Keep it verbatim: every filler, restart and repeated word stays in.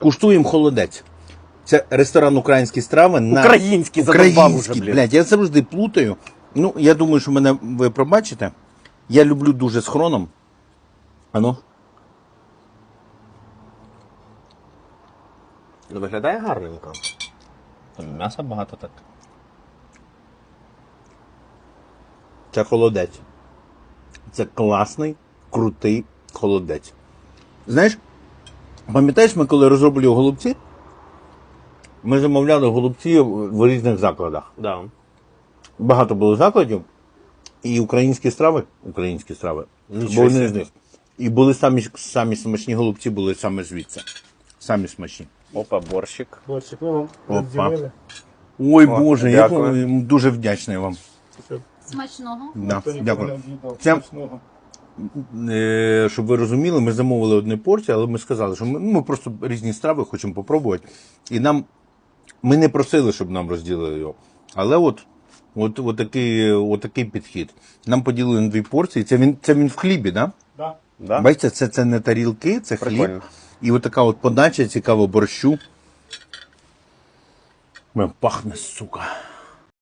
Куштуємо холодець. Це ресторан «Українські страви» на... Український, задовбав уже, блін. блядь, я завжди плутаю. Ну, я думаю, що мене ви пробачите. Я люблю дуже з хроном. Ану. Ну, виглядає гарненько. Там м'яса багато так. Це холодець. Це класний, крутий холодець. Знаєш, пам'ятаєш, ми коли розроблювали голубці, ми замовляли голубці в різних закладах. Да. Багато було закладів, і українські страви, українські страви, Нічого були не з собі. них. І були самі, самі смачні голубці, були саме звідси. Самі смачні. Опа, борщик. Борщик, ну вам Опа. розділили. Ой, О, Боже, я дякую. вам дуже вдячний вам. Смачного. Да, Хто ніколи дякую. не об'їдав Це- смачного. Е, щоб ви розуміли, ми замовили одну порцію, але ми сказали, що ми, ну, ми просто різні страви хочемо попробувати. І нам, ми не просили, щоб нам розділили його. Але от, от, от, такий, от такий підхід. Нам поділили на дві порції. Це він, це він в хлібі, да? Да. Да? Бачите, це, це не тарілки, це хліб. Прикольно. І от така от подача цікава борщу. Прям пахне, сука.